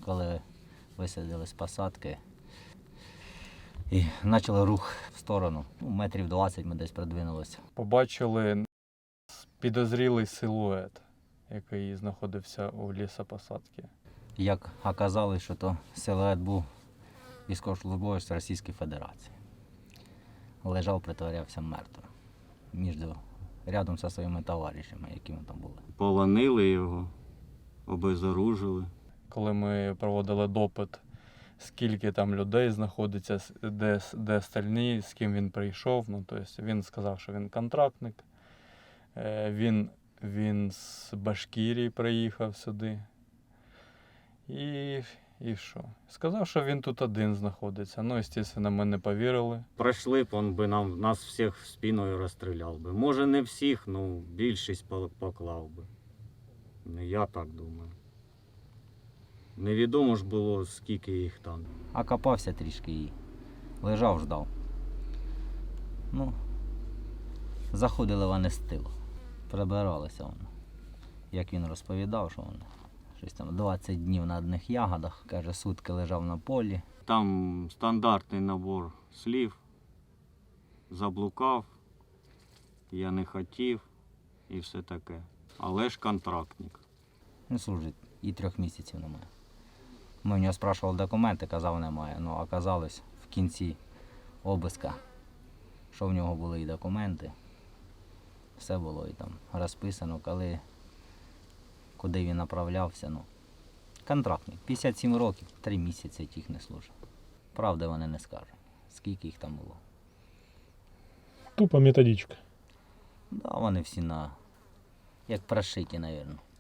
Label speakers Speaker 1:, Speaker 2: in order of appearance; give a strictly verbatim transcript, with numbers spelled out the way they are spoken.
Speaker 1: коли висадили з посадки і почали рух в сторону. Ну, метрів двадцять ми десь продвинулися.
Speaker 2: Побачили підозрілий силует, який знаходився у лісопосадці.
Speaker 1: Як оказалось, що то силует був військовослужбовець Російської Федерації. Лежав, притворявся мертвим. Між рядом зі своїми товаришами, які ми там були.
Speaker 3: Полонили його, обезоружили.
Speaker 2: Коли ми проводили допит, скільки там людей знаходиться, де, де остальні, з ким він прийшов. Ну, тобто він сказав, що він контрактник. Він, він з Башкирії приїхав сюди. І, і що? Сказав, що він тут один знаходиться. Ну, звісно, ми не повірили.
Speaker 3: Пройшли б, він би нам, нас всіх спиною розстріляв би. Може не всіх, ну більшість поклав би. Ну, я так думаю. Невідомо ж було, скільки їх там.
Speaker 1: А копався трішки і лежав, ждав. Ну, заходили вони з тилу, прибиралися вони. Як він розповідав, що вони щось там двадцять днів на одних ягодах, каже, сутки лежав на полі.
Speaker 3: Там стандартний набор слів. Заблукав, я не хотів і все таке. Але ж контрактник.
Speaker 1: Він служить і трьох місяців немає. Ми в нього спрашували документи, казав немає. Ну, оказалось в кінці обиска, що в нього були і документи. Все було і там розписано, коли, куди він направлявся. Ну, контрактник. п'ятдесят сім років, три місяці тих не служив. Правди вони не скажуть, скільки їх там було.
Speaker 4: Тупо методичка.
Speaker 1: Да, вони всі на, як прошиті, мабуть.